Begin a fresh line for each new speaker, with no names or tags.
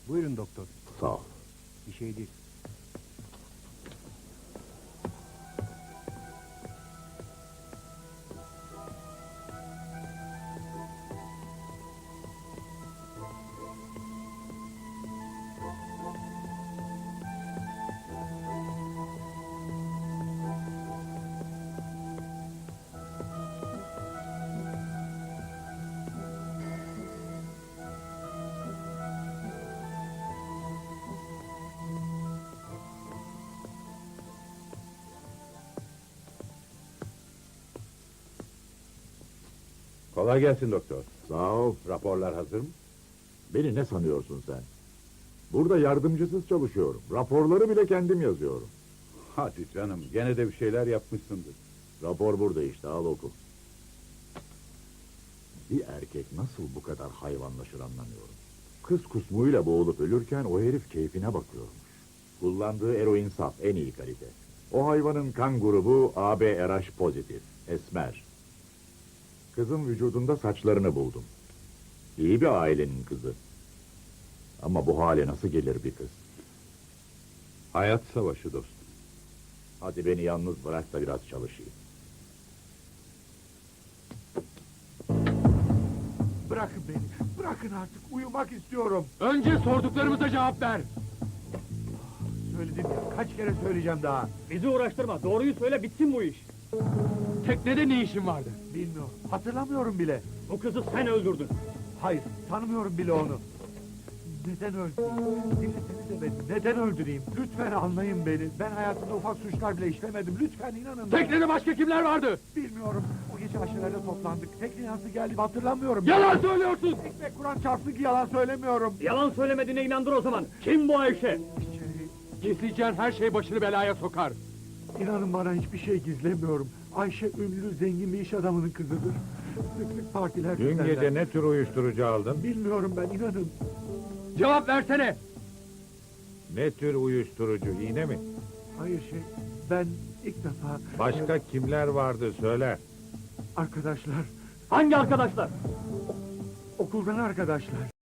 Buyurun doktor.
Sağ ol.
Bir şey değil.
Kolay gelsin doktor.
Sağ ol.
Raporlar hazır mı?
Beni ne sanıyorsun sen? Burada yardımcısız çalışıyorum. Raporları bile kendim yazıyorum.
Hadi canım, gene de bir şeyler yapmışsındır.
Rapor burada işte, al oku. Bir erkek nasıl bu kadar hayvanlaşır anlamıyorum. Kız kusmuyla boğulup ölürken o herif keyfine bakıyormuş. Kullandığı eroin saf, en iyi kalite. O hayvanın kan grubu AB RH pozitif, esmer. Kızın vücudunda saçlarını buldum. İyi bir ailenin kızı. Ama bu hale nasıl gelir bir kız?
Hayat savaşı dostum.
Hadi beni yalnız bırak da biraz çalışayım.
Bırakın beni, bırakın artık, uyumak istiyorum.
Önce sorduklarımıza cevap ver.
Söyledim ya, kaç kere söyleyeceğim daha.
Bizi uğraştırma, doğruyu söyle bitsin bu iş. Teknede ne işin vardı?
Bilmiyorum, hatırlamıyorum bile.
Bu kızı sen öldürdün.
Hayır, tanımıyorum bile onu. Neden öldüreyim? Dinlesenize beni, neden öldüreyim? Lütfen anlayın beni. Ben hayatımda ufak suçlar bile işlemedim. Lütfen inanın bana.
Teknede başka kimler vardı?
Bilmiyorum. O gece aşırıda toplandık. Tekne nasıl geldi hatırlamıyorum.
Yalan söylüyorsun!
Ekmek Kur'an çarpsın ki yalan söylemiyorum.
Yalan söylemediğine inandır o zaman. Kim bu Ayşe?
İçeri,
Gizleyeceğin her şey başını belaya sokar.
İnanın bana hiçbir şey gizlemiyorum. Ayşe ünlü, zengin bir iş adamının kızıdır. Sık sık partiler
Dün
düzenler.
gece ne tür uyuşturucu aldın?
Bilmiyorum ben, inanın.
Cevap versene!
Ne tür uyuşturucu, iğne mi?
Hayır ben ilk defa...
Başka kimler vardı söyle.
Arkadaşlar,
Hangi arkadaşlar?
okuldan arkadaşlar.